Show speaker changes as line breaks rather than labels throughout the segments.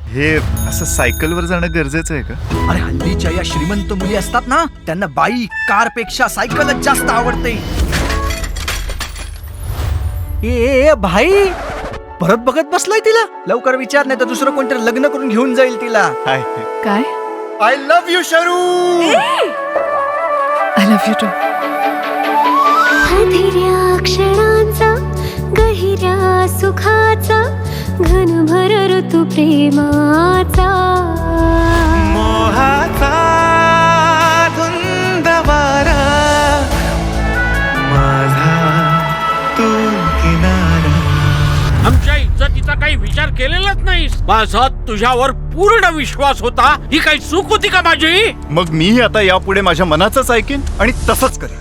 हे असं सायकलवर जाणं गरजेचं आहे का?
अरे हल्लीच्या या श्रीमंत मुली असतात ना, त्यांना बाईक कार पेक्षा सायकलच जास्त आवडते. ए भाई, परत बघत बसलाय तिला. लवकर विचार, नाही तर दुसरं कोणतरी लग्न करून घेऊन जाईल तिला.
हाय.
काय?
I love you Sharu.
I love you too.
हधिऱ्या क्षणांचा गहिऱ्या सुखाचा घनभर ऋतू प्रेमाचा
मोहाचा धुंद वारा माझा तू किनारा.
आमच्या इज्जतीचा काही विचार केलेलाच नाहीस. माझा तुझ्यावर पूर्ण विश्वास होता. ही काही चूक होती का माझी?
मग मीही आता यापुढे माझ्या मनाचंच ऐकेन आणि तसंच करेन.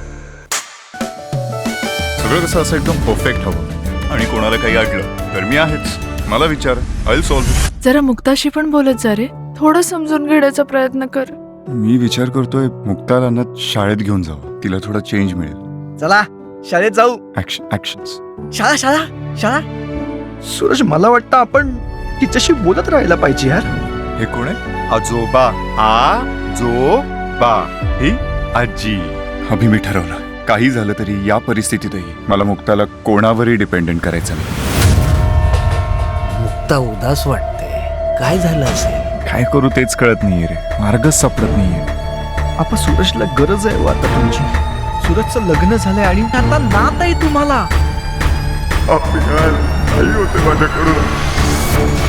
सगळं कसं असं एकदम परफेक्ट हवं आणि कोणाला काही अडलं तर मी आहेच. मला विचार, आय सॉल्व्ह.
जरा मुक्ताशी पण बोलत जा रे. थोडं समजून घेण्याचा प्रयत्न कर.
मी विचार करतोय मुक्ताला शाळेत घेऊन जावं. तिला थोडा चेंज मिळेल.
चला शाळेत जाऊ.
ऍक्शन्स.
शाळा शाळा शाळा. सूरज, मला वाटतं आपण तिच्याशी बोलत राहायला पाहिजे यार.
हे कोण आहे? आजोबा. आजोबा ही आजी. अभि मी ठरवलं, काही झालं तरी या परिस्थितीतही मला मुक्ताला कोणावरही डिपेंडेंट करायचं नाही.
मुक्ता उदास वाटते. काय झालं असेल?
काय करू तेच कळत नाहीये रे. मार्गच सापडत नाहीये.
आपण सूरजला गरज आहे आता तुमची. सूरजचं लग्न झालंय आणि आता नात आहे तुम्हाला.
होते माझ्याकडून.